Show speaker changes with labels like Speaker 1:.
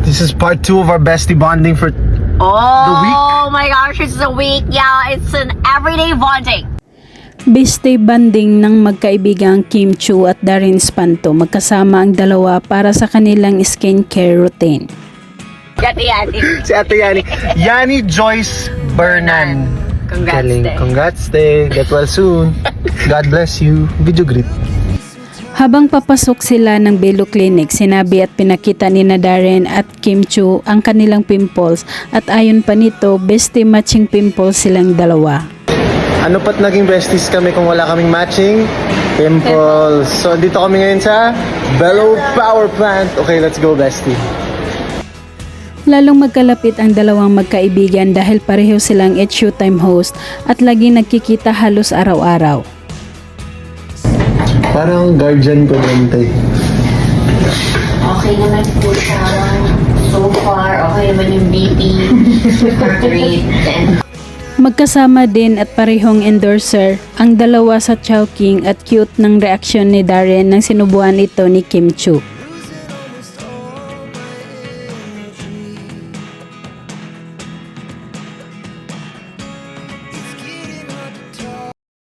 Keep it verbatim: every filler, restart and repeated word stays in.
Speaker 1: This is part two of our bestie bonding for
Speaker 2: Oh
Speaker 1: the week.
Speaker 2: my gosh, it's a week. Yeah, it's an everyday bonding.
Speaker 3: Bestie banding ng magkaibigang Kim Chu at Darren Espanto, magkasama ang dalawa para sa kanilang skincare routine.
Speaker 2: Yati yati.
Speaker 1: Si Ate Yani. Yani Joyce Bernan.
Speaker 2: Congrats,
Speaker 1: Galing.
Speaker 2: te.
Speaker 1: Congrats, te. Get well soon. God bless you. Video greet.
Speaker 3: Habang papasok sila ng Belo Clinic, sinabi at pinakita ni na Darren at Kim Chu ang kanilang pimples at ayon pa nito, bestie matching pimples silang dalawa.
Speaker 1: Ano pat naging besties kami kung wala kaming matching pimples. So, dito kami ngayon sa Bellow Power Plant. Okay, let's go, bestie.
Speaker 3: Lalong magkalapit ang dalawang magkaibigan dahil pareho silang It's Showtime host at lagi nagkikita halos araw-araw.
Speaker 1: Parang guardian ko din, te.
Speaker 2: Okay naman po siya. So far, okay naman yung B P, heart rate, and
Speaker 3: Magkasama din at parehong endorser ang dalawa sa Chowking at cute ng reaksyon ni Darren nang sinubuan ito ni Kim Chu.